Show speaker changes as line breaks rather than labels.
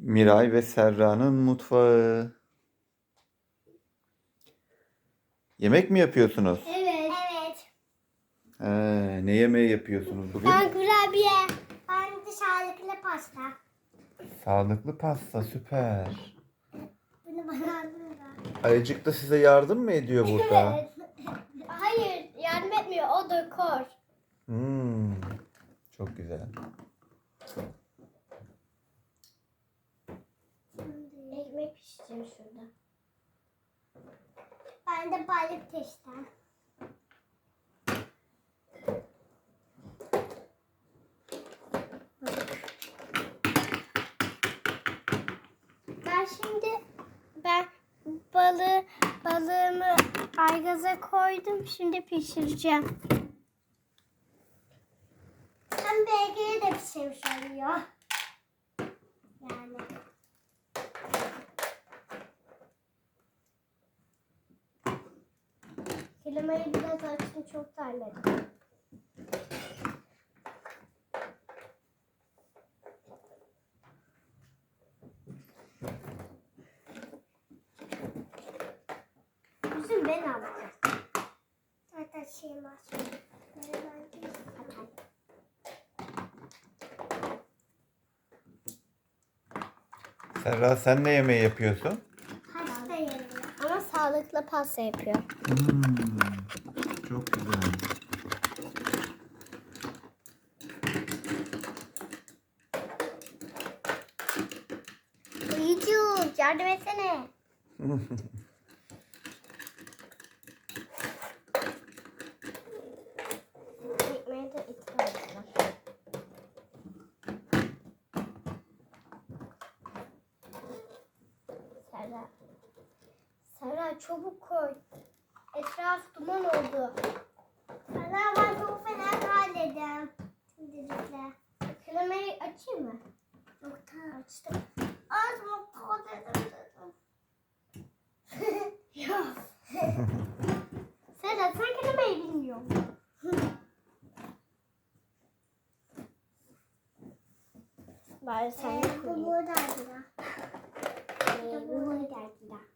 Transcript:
Miray ve Serra'nın mutfağı. Yemek mi yapıyorsunuz?
Evet. Evet.
Ne yemeği yapıyorsunuz bugün?
Ben kurabiye. Ben de sağlıklı pasta.
Sağlıklı pasta, süper.
Bunu bana aldın da.
Ayıcık da size yardım mı ediyor burada?
Evet. Hayır, yardım etmiyor. O dekor.
Çok güzel.
Ekmek pişireceğim şurada. Ben de balık testten. Ben balığımı aygaza koydum. Şimdi pişireceğim. Hem belki de pişirmiş oluyor. Yani. Klimayı biraz açtım, çok terledim. Üzüm ben alacağım. Zaten şeyim var.
Serra, sen ne yemeği yapıyorsun?
Pasta yerim. Ama sağlıklı pasta yapıyor.
Çok güzel.
Yiyeceğim. Yardım etsene. Ekmeğe de ihtiyacım var. Serra çabuk koy. Etraf duman oldu. Serra ben çok fena terledim. Şimdilikle. Klimayı açayım mı? Yok tamam açtım. Açma dedim. Yok. Serra sen klimayı bilmiyor musun? Bari sen de koyayım. Bu buradaydı da. Bu buradaydı da.